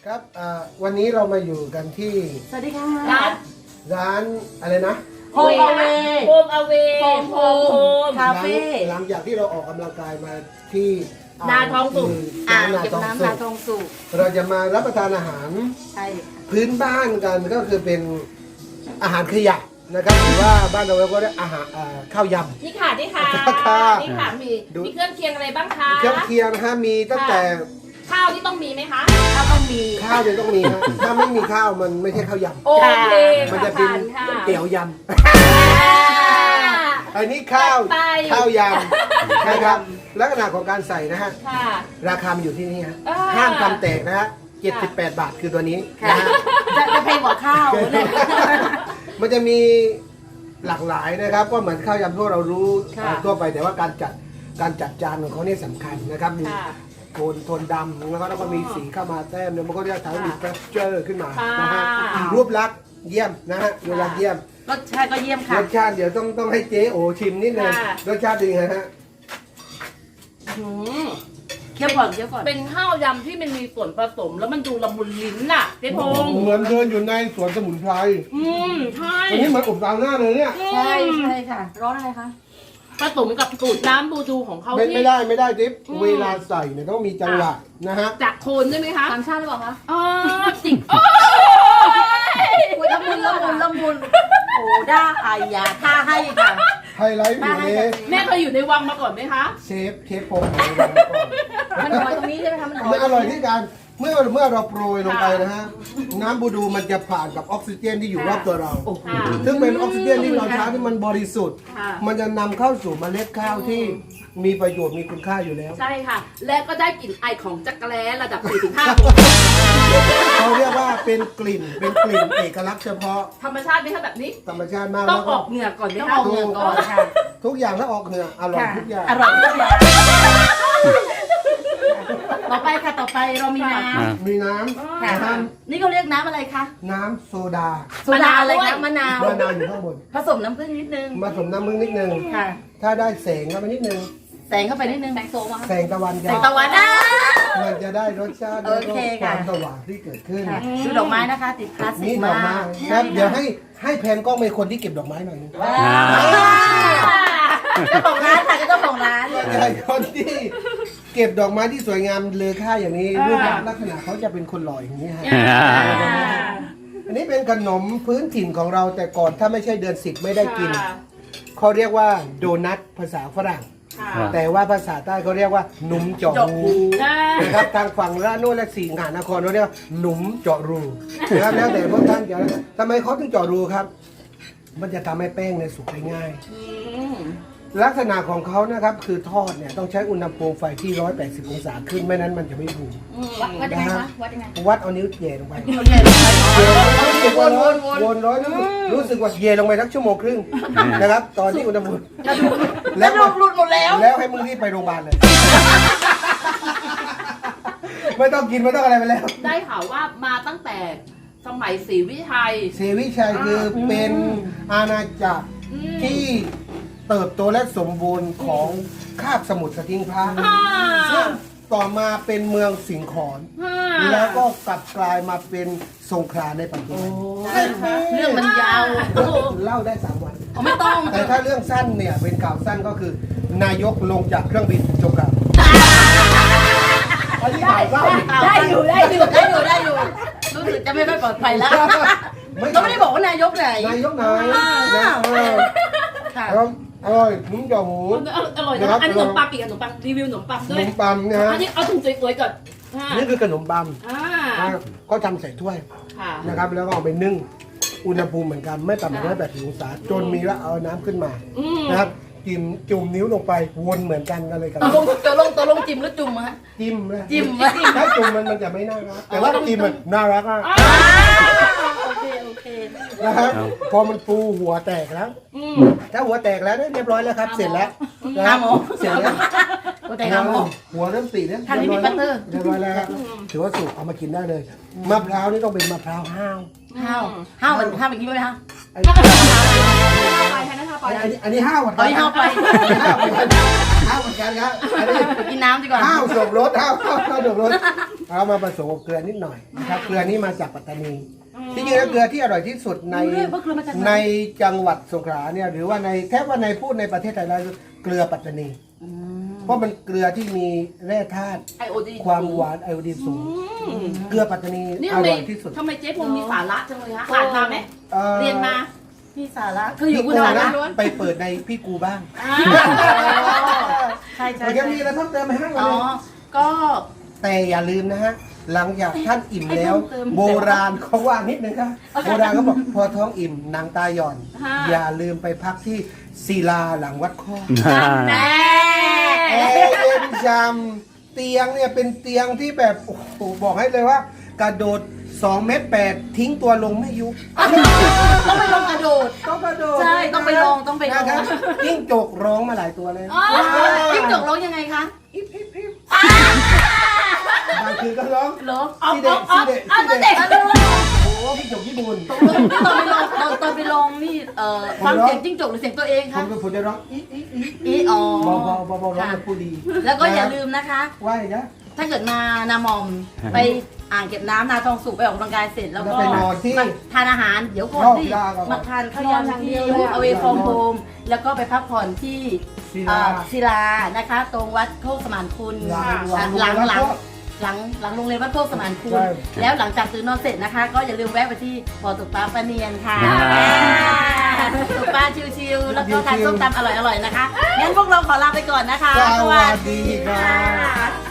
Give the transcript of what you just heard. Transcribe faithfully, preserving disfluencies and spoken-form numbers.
ครับวันนี้เรามาอยู่กันที่สวัสดีค่ะร้านร้านอะไรนะโฮมอเวโฮมอเวโฮมโฮมคาเฟ่หลังจากที่เราออกกำลังกายมาที่นาทองสุกอ่างเก็บน้ำนาทองสุกเราจะมารับประทานอาหารใช่พื้นบ้านกันก็คือเป็นอาหารขยะนะครับหรือว่าบ้านเราก็เรียกอาหารข้าวยำนี่ค่ะนี่ค่ะค่ะนี่ค่ะมีมีเครื่องเคียงอะไรบ้างคะเครื่องเคียงนะฮะมีตั้งแต่ข้าวที่ต้องมีไหมคะข้าวต้องมีข้าวเนี่ยต้องมีฮะถ้าไม่มีข้าวมันไม่ใช่ข้าวยำโอเคมันจะเป็นเตี๋ยวยำอันนี้ข้าวข้าวยำนะครับลักษณะของการใส่นะฮะราคามันอยู่ที่นี่ฮะห้ามทำแตกนะฮะเจ็ดสิบแปดบาทคือตัวนี้นะฮะจะจะแพงกว่าข้าวเนี่ยมันจะมีหลากหลายนะครับก็เหมือนข้าวยำพวกเรารู้ทั่วไปแต่ว่าการจัดการจัดจานของเขาเนี่ยสำคัญนะครับมีโทนโทนดำแล้วก็แล้วก็มีสีเข้ามาแต้มเนี่ยมันก็จะทำให้มีเท็กเจอร์ขึ้นมานะฮะรูปลักษณ์เยี่ยมนะฮะรูปลักษณ์เยี่ยมรสชาติก็เยี่ยมค่ะรสชาติเดี๋ยวต้องต้องให้เจ๊โอชิมนิดนึงรสชาติดีไงฮะเคี่ยวก่อนเคี่ยวก่อนเป็นข้าวยำที่มันมีส่วนผสมแล้วมันดูละมุนลิ้นน่ะเจ๊พงษ์เหมือนเดินอยู่ในสวนสมุนไพรอืมใช่อันนี้เหมือนอบซาวน่าเลยเนี่ยใช่ใช่ค่ะร้อนอะไรคะผสมกับสูตรน้ำบูดูของเขาที่ไม่ได้ไม่ได้จิ๊บเวลาใส่เนี่ยต้องมีจังหวะนะฮะจากโคนใช่ไหมคะต่างชาติหรือเปล่าคะอ๋อจริงโอ้ยละมุนละมุนละมุนโอ้ด้าไอยาท่าให้ค่ะไฮไลท์อยู่เลยแม่เคยอยู่ในวังมาก่อนไหมคะเชฟเชฟผมอยู่ในวังมาก่อนมันอร่อยตรงนี้ใช่ไหมคะมันอร่อยมันอร่อยที่การเมื่อเมื่อเราโปรยลงไปนะฮะน้ำบูดูมันจะผ่านกับออกซิเจนที่อยู่รอบตัวเราซึ่งเป็นออกซิเจนที่เราใช้ที่มันบริสุทธิ์มันจะนำเข้าสู่เมล็ดข้าวที่มีประโยชน์มีคุณค่าอยู่แล้วใช่ค่ะและก็ได้กลิ่นไอของจักรแล้ระดับ สี่ถึงห้าเขาเรียกว่าเป็นกลิ่นเป็นกลิ่นเอกลักษณ์เฉพาะธรรมชาติไหมคะแบบนี้ธรรมชาติมากต้องออกเหงื่อก่อนไหมคะต้องออกเหงื่อก่อนค่ะทุกอย่างถ้าออกเหงื่ออร่อยทุกอย่างอร่อยทุกอย่างต่อไปค่ะต่อไปเรามีน้ำมีน้ำค่ะนี่เขาเรียกน้ำอะไรคะน้ำโซดาโซดาอะไรคะมะนาวมะนาวอยู่ข้างบนผสมน้ำผึ้งนิดนึงผสมน้ำผึ้งนิดนึงค่ะถ้าได้แสงเข้าไปนิดนึงแสงเข้าไปนิดนึงแสงโซมาแสงตะวันแสงตะวันนะมันจะได้รสชาติแล้วก็ความสว่างที่เกิดขึ้นดูดอกไม้นะคะติดคลาสสิกมากครับเดี๋ยวให้ให้แพนกล้องเป็นคนที่เก็บดอกไม้หน่อยนึงเจ้าของร้านค่ะเจ้าของร้านใช่คนที่เก็บดอกไม้ที่สวยงามเลอค่าอย่างนี้รูปลักษณะเขาจะเป็นคนหล่ออย่างนี้ฮะอันนี้เป็นขนมพื้นถิ่นของเราแต่ก่อนถ้าไม่ใช่เดือนสิบไม่ได้กินเขาเรียกว่าโดนัทภาษาฝรั่งแต่ว่าภาษาใต้เขาเรียกว่าหนุ่มเจาะรูนะครับทางฝั่งระโนดและสีหานครเขาเรียกว่าหนุ่มเจาะรูนะครับแล้วแต่พวกท่านจะทำไมเขาถึงเจาะรูครับมันจะทำให้แป้งเนี่ยสุกได้ง่ายลักษณะของเขานะครับคือทอดเนี่ยต้องใช้อุณหภูมิไฟที่หนึ่งร้อยแปดสิบองศาขึ้นไม่นั้นมันจะไม่ฟูวัดยังไงคะวัดยังไงวัดเอานิ้วเย่ลงไปวนวนวนร้อยรู้สึกว่าเย่ลงไปสักชั่วโมงครึ่งนะครับตอนที่อุณหภูมิแล้วหลุดหมดแล้วแล้วให้มึงรีบไปโรงพยาบาลเลยไม่ต้องกินไม่ต้องอะไรไปแล้วได้ข่าวว่ามาตั้งแต่สมัยศรีวิชัยศรีวิชัยคือเป็นอาณาจักรที่เติบโตและสมบูรณ์ของคาบสมุทรสทิงพระซึ่งต่อมาเป็นเมืองสิงขรแล้วก็กลับกลายมาเป็นสงขลาในปัจจุบันเรื่องมันยาวเล่าได้สามวันไม่ต้องแต่ถ้าเรื่องสั้นเนี่ยเป็นข่าวสั้นก็คือนายกลงจากเครื่องบินจบกันได้อยู่ได้อยู่ได้อยู่ได้อยู่รู้สึกจะไม่ค่อยปลอดภัยแล้วก็ไม่ได้บอกว่านายกไหนนายกไหนครับอร่อยนุ่มจ่อหมูอร่อยนะอันนี้ขนมปังปีกขนมปังรีวิวขนมปังด้วยขนมปังนะฮะอันนี้เอาถุงสวยๆก่อนนี่คือขนมปังก็ทำใส่ถ้วยนะครับแล้วก็เอาไปนึ่งอุณหภูมิเหมือนกันไม่ต่ำกว่าหนึ่งร้อยแปดสิบองศาจนมีแล้วเอาน้ำขึ้นมานะครับจิ้มจุ่มนิ้วลงไปวนเหมือนกันกันเลยกันตัวลงตัวลงตัวลงจิ้มหรือจุ่มฮะจิ้มเลยจิ้มถ้าจุ่มมันมันจะไม่น่ารักแต่ว่าจิ้มมันน่ารักอ่ะโอเคโอเคนะครับพอมันฟูหัวแตกแล้วถ้าหัวแตกแล้วเรียบร้อยแล้วครับเสร็จแล้วนะครับเสร็จแล้วหัวแตกแล้วหัวเริ่มสีแล้วทางนี้มีปัตเตอร์เรียบร้อยแล้วถือว่าสุกเอามากินได้เลยมะพร้าวนี่ต้องเป็นมะพร้าวห้าวห้าวห้าวมันห้าวแบบนี้ไหมคะไปแทนนะคะปอยอันนี้อันนี้ห้าวเหมือนกัเอาอีกครัเอาบไปห้าวเหมือนกันห้าวเหมือนกันครับอันนี้ไปกินน้ำดีกว่าห้าวสมรสห้าวห้าวห้าวสมรสเอามาผสมกับเกลือนิดหน่อยนะครับเกลือนี้มาจากปัตตานีที่จริงแล้วเกลือที่อร่อยที่สุดในรู้ด้วยว่าเกลือมาจากไหนในจังหวัดสงขลาเนี่ยหรือว่าในแทบว่าในพูดในประเทศไทยแล้วเกลือปัตตานีอืมเพราะมันเกลือที่มีแร่ธาตุไอโอดีความหวานไอโอดีนสูงเกลือปัตตานีนี่อทำไมร่อยที่สุดทำไมเจ๊พงมีสาระจังเลยฮะอ่านมาไหมอ่อเรียนมาพี่สาระคืออยู่พี่คุณกูสาระนะไปเปิดในพี่กูบ้างอ่าใช่ใช่โอเคมีอะไรเพิ่มเติมไหมฮะอ๋อก็แต่อย่าลืมนะฮะหลังจากท่านอิ่มแล้วให้เพิ่มเติมโบราณเขาว่านิดนึงครับโบราณเขาบอกพอท้องอิ่มนางตาหย่อนฮะอย่าลืมไปพักที่ศิลาหลังวัดข้อแม่แอร์เย็นจำเตียงเนี่ยเป็นเตียงที่แบบโอ้โหบอกให้เลยว่ากระโดดสองเมตรแปดทิ้งตัวลงไม่ยุบต้องไปลงกระโดดต้องกระโดดใช่ต้องไปลองต้องไปลองนะครับยิ่งจกร้องมาหลายตัวเลยอ๋อจิ้งจกร้องยังไงคะบางคืนก็ร้องเหรอเอาซีเด็เอากเอาซีเด็กเอาซีตัวเด็เด็กกโอ้พี่จกญี่ปุ่นตอนไปลองตอนตอนไปลองนี่เอ่อฟังเสียงจิ้งจกหรือเสียงตัวเองผคะมผมจะร้องอีอีอีอีอ๋อเบาเบาเบาเบาร้องแบบผู้ดีแล้วก็อย่าลืมนะคะไหว้นะถ้าเกิดมานามอมไปอ่างเก็บน้ำนาทองสุกไปออกกำลังกายเสร็จแล้วก็แล้วไปนอนที่มาทานอาหารเดี๋ยวก่อนนอกที่กีฬาก่อนมาทานข้าวยำที่เอาเวฟอร์มโฮมแล้วก็ไปพักผ่อนที่ศิลาเอ่อศิลานะคะ ตรงวัดโคกสมานคุณหลังอ่ะหลังหลังหลังวัดโคกหลังหลังโรงเรียนวัดโคกสมานคุณใช่แล้วหลังจากตื่นนอนเสร็จนะคะ ก็อย่าลืมแวะไปที่บ่อตกปลาปลาเนียนค่ะอ่าตกปลาชิวๆแล้วก็ทานส้มตำอร่อยๆนะคะงั้นพวกเราขอลาไปก่อนนะคะสวัสดีครับ